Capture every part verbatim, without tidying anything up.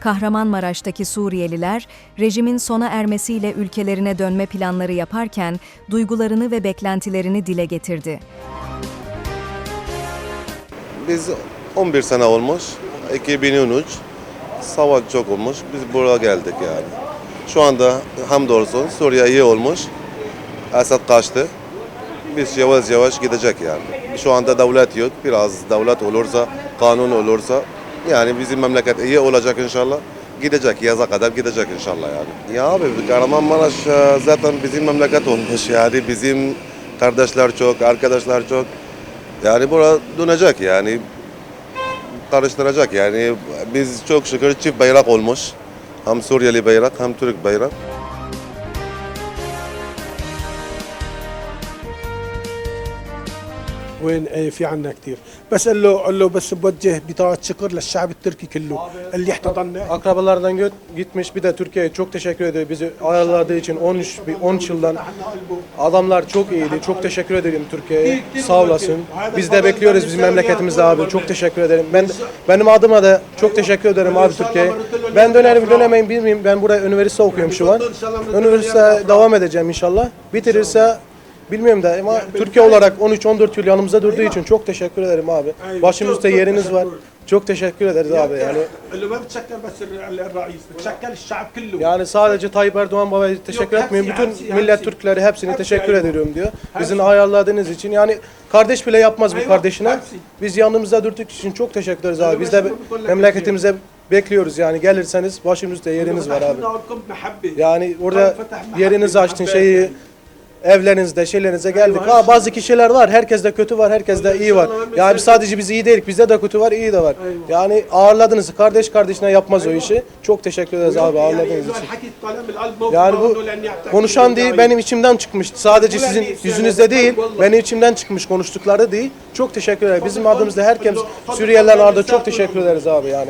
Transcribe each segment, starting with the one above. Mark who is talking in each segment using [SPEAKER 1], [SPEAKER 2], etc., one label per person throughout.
[SPEAKER 1] Kahramanmaraş'taki Suriyeliler, rejimin sona ermesiyle ülkelerine dönme planları yaparken duygularını ve beklentilerini dile getirdi.
[SPEAKER 2] Biz on bir sene olmuş, iki bin on üç, savaş çok olmuş, biz buraya geldik yani. Şu anda hamdolsun Suriye iyi olmuş, Esad kaçtı, biz yavaş yavaş gidecek yani. Şu anda devlet yok, biraz devlet olursa, kanun olursa, yani bizim memleket iyi olacak inşallah. Gidecek, yaza kadar gidecek inşallah yani. Ya abi Kahramanmaraş zaten bizim memleket olmuş yani, bizim kardeşler çok, arkadaşlar çok. Yani buraya dönecek yani, karıştıracak yani. Biz çok şükür çift bayrak olmuş. Hem Suriyeli bayrak hem Türk bayrak.
[SPEAKER 3] وين ايه في عنا كثير بس قال له قال له بس بوجه بطاقة شكر للشعب التركي كله اللي احتضننا.
[SPEAKER 4] Akrabalardan gö- gitmiş, bir de Türkiye'ye çok teşekkür ediyor bizi ayarladığı için. on üç on üç yıldan adamlar çok iyiydi. Çok teşekkür ederim Türkiye'ye. Sağ olasın. Biz de bekliyoruz bizim memleketimizde abi. Çok teşekkür ederim. Ben benim adıma da çok teşekkür ederim abi Türkiye'ye. Ben dönerim dönemeyim bilmiyorum. Ben buraya üniversite okuyorum şu an. Üniversite devam edeceğim inşallah. Bitirirse bilmiyorum da ama Türkiye olarak on üç on dört yıl yanımızda durduğu için çok teşekkür ederim abi. Başımızda yeriniz var. Çok teşekkür ederiz abi yani.
[SPEAKER 3] قال له ما بتشكر بس الرئيس بتشكر الشعب كله.
[SPEAKER 4] Yani sadece Tayyip Erdoğan babaya teşekkür etmiyorum. Bütün millet Türkleri hepsine teşekkür ediyorum diyor. Bizim ayarladığınız için yani kardeş bile yapmaz bu kardeşine. Biz yanımızda durduk için çok teşekkür ederiz abi. Biz de memleketimize bekliyoruz yani, gelirseniz başımızda yeriniz var abi. Yani orada yerinizi açtın şeyi, evlerinizde, şeylerinize geldik. Ha, bazı kişiler var, herkeste kötü var, herkeste iyi var. Yani biz sadece biz iyi değilik, bizde de kötü var, iyi de var. Yani ağırladınız, kardeş kardeşine yapmaz o işi. Çok teşekkür ederiz abi ağırladığınız için. Yani bu konuşan değil, benim içimden çıkmıştı. Sadece sizin yüzünüzde değil, benim içimden çıkmış konuştukları değil. Çok teşekkür ederiz. Bizim adımızda herkes, Suriyeliler adına çok teşekkür ederiz abi yani.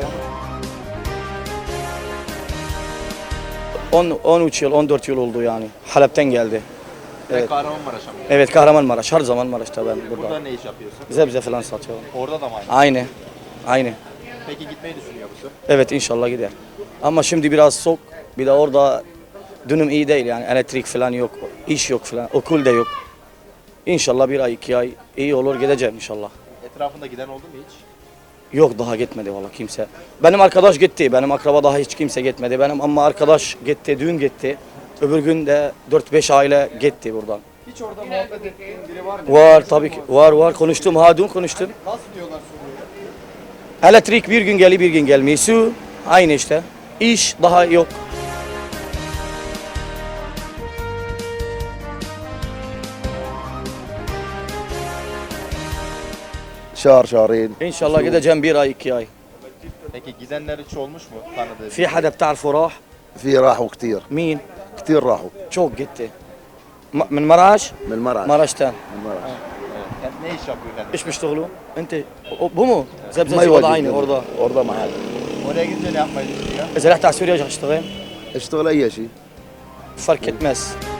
[SPEAKER 5] on on üç yıl, on dört yıl oldu yani. Halep'ten geldi.
[SPEAKER 6] Evet. Kahramanmaraş'a mı?
[SPEAKER 5] Evet, Kahramanmaraş. Her zaman Maraş'ta ben burada.
[SPEAKER 6] Burada ne iş yapıyorsun?
[SPEAKER 5] Zebze falan satıyorum.
[SPEAKER 6] Orada da mı aynı?
[SPEAKER 5] Aynı. Aynı.
[SPEAKER 6] Peki gitmeyi düşünüyor musun?
[SPEAKER 5] Evet, inşallah gider. Ama şimdi biraz soğuk. Bir de orada dönüm iyi değil yani. Elektrik falan yok. İş yok falan. Okul da yok. İnşallah bir ay, iki ay iyi olur, gideceğim inşallah.
[SPEAKER 6] Etrafında giden oldu mu hiç?
[SPEAKER 5] Yok, daha gitmedi valla kimse. Benim arkadaş gitti. Benim akraba daha hiç kimse gitmedi. Benim ama arkadaş gitti, düğün gitti. Öbür gün de dört beş aile gitti buradan.
[SPEAKER 6] Hiç orada muhabbet ettiğin biri var mı?
[SPEAKER 5] Var tabii ki. Var var. Konuştum. Ha, dün konuştum.
[SPEAKER 6] Nasıl diyorlar Suriye'ye?
[SPEAKER 5] Elektrik bir gün geliyor, bir gün gelmiyor. Su aynı işte. İş daha yok.
[SPEAKER 7] شهر شهرين.
[SPEAKER 5] İnşallah gideceğim bir ay, iki ay.
[SPEAKER 6] Peki gidenler hiç olmuş mu tanıdığı?
[SPEAKER 5] في حدا بتعرفه راح؟
[SPEAKER 7] في راحوا كثير
[SPEAKER 5] مين؟
[SPEAKER 7] كثير راحوا
[SPEAKER 5] Çok gitti. Ma- من مراش؟
[SPEAKER 7] من المرعى
[SPEAKER 5] Maraş'tan.
[SPEAKER 7] من المرعى.
[SPEAKER 6] Yani ne iş yapıyor yani?
[SPEAKER 5] İş بيشتغلوا؟ انت o- bu mu?
[SPEAKER 7] ما
[SPEAKER 5] Zebzeci o da
[SPEAKER 7] يواجه
[SPEAKER 5] aynı orada.
[SPEAKER 7] orada محل.
[SPEAKER 6] Oraya gidince ne yapmayı düşünüyor?
[SPEAKER 5] إذا رحت على سوريا اشتغل
[SPEAKER 7] اشتغل اي شيء.
[SPEAKER 5] fark etmez.